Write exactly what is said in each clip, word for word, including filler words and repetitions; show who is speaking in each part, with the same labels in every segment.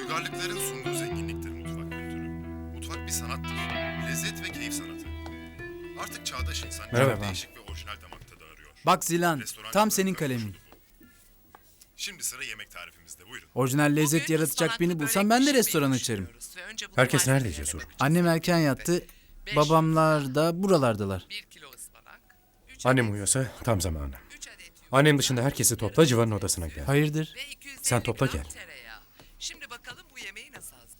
Speaker 1: Uygarlıkların sunduğu zenginliktir mutfak kültürü. Mutfak bir sanattır. Lezzet ve keyif sanatı. Artık çağdaş insan
Speaker 2: Merhaba.
Speaker 1: çok değişik ve orijinal damak tadı arıyor.
Speaker 2: Bak Zilan,
Speaker 1: Restoran
Speaker 2: tam
Speaker 1: kültürü
Speaker 2: senin
Speaker 1: kavuşuldu
Speaker 2: kalemin.
Speaker 1: bu. Şimdi sıra yemek tarifimizde, buyurun.
Speaker 2: Orijinal lezzet
Speaker 3: Bugün
Speaker 2: yaratacak
Speaker 3: ıspanaklı
Speaker 2: birini
Speaker 3: börek
Speaker 2: bulsam ben de
Speaker 3: pişirmeyi
Speaker 2: restoran açarım.
Speaker 3: düşünüyoruz ve önce bunun
Speaker 4: Herkes nerede
Speaker 3: malzemelerine
Speaker 4: Cesur?
Speaker 3: bakacağız.
Speaker 2: Annem erken yattı,
Speaker 3: Beş
Speaker 2: babamlar da buralardalar.
Speaker 3: bir kilo ıspanak, üç
Speaker 4: Annem
Speaker 3: adet-
Speaker 4: uyuyorsa tam zamanı.
Speaker 3: üç adet yumurta
Speaker 4: Annem dışında herkesi topla, Civan'ın odasına gel.
Speaker 2: Hayırdır?
Speaker 3: ve iki yüz elli
Speaker 4: Sen topla
Speaker 3: gram
Speaker 4: gel.
Speaker 3: tereyağı. Şimdi bakalım bu yemeği nasıl hazır?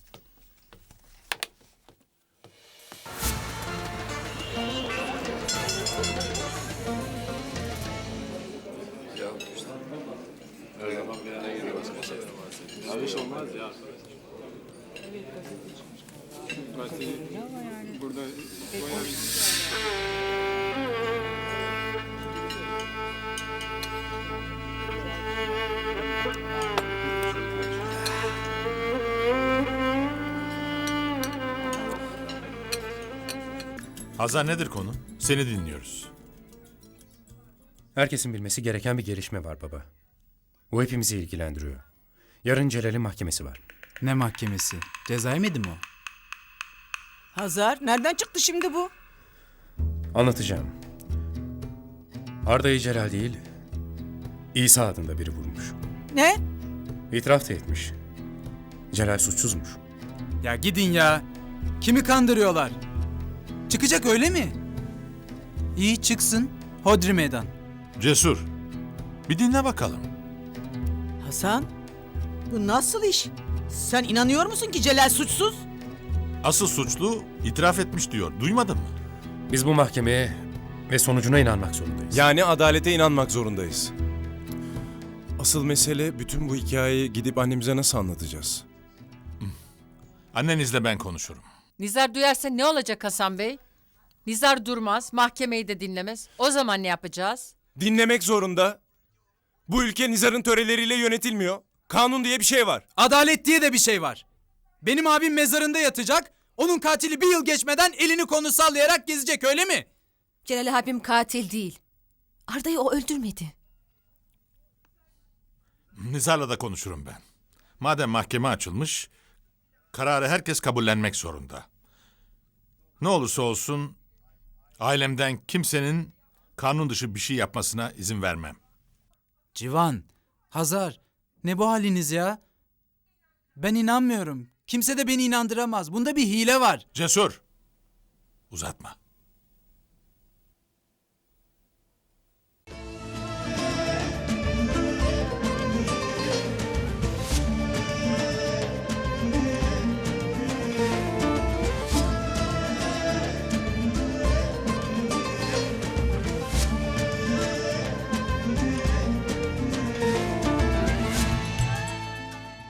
Speaker 5: Hazar, nedir konu? Seni dinliyoruz.
Speaker 4: Herkesin bilmesi gereken bir gelişme var baba. Bu hepimizi ilgilendiriyor. Yarın Celal'in mahkemesi var.
Speaker 2: Ne mahkemesi? Ceza yemedi mi o?
Speaker 6: Hazar, nereden çıktı şimdi bu?
Speaker 4: Anlatacağım. Arda'yı Celal değil, İsa adında biri vurmuş.
Speaker 6: Ne?
Speaker 4: İtiraf da etmiş. Celal suçsuzmuş.
Speaker 2: Ya gidin ya. Kimi kandırıyorlar? Çıkacak öyle mi? İyi çıksın. Hodri meydan.
Speaker 5: Cesur, bir dinle bakalım.
Speaker 6: Hasan, bu nasıl iş? Sen inanıyor musun ki Celal suçsuz?
Speaker 5: Asıl suçlu itiraf etmiş diyor. Duymadın mı?
Speaker 4: Biz bu mahkemeye ve sonucuna inanmak zorundayız.
Speaker 7: Yani adalete inanmak zorundayız. Asıl mesele bütün bu hikayeyi gidip annemize nasıl anlatacağız?
Speaker 5: Annenizle ben konuşurum.
Speaker 8: Nizar duyarsa ne olacak Hasan Bey? Nizar durmaz, mahkemeyi de dinlemez. O zaman ne yapacağız?
Speaker 7: Dinlemek zorunda. Bu ülke Nizar'ın töreleriyle yönetilmiyor. Kanun diye bir şey var.
Speaker 2: Adalet diye de bir şey var. Benim abim mezarında yatacak. Onun katili bir yıl geçmeden elini kolunu sallayarak gezecek öyle mi?
Speaker 9: Celal abim katil değil. Arda'yı o öldürmedi.
Speaker 5: Nizar'la da konuşurum ben. Madem mahkeme açılmış, kararı herkes kabullenmek zorunda. Ne olursa olsun ailemden kimsenin kanun dışı bir şey yapmasına izin vermem.
Speaker 2: Civan, Hazar, ne bu haliniz ya? Ben inanmıyorum. Kimse de beni inandıramaz. Bunda bir hile var.
Speaker 5: Cesur, uzatma.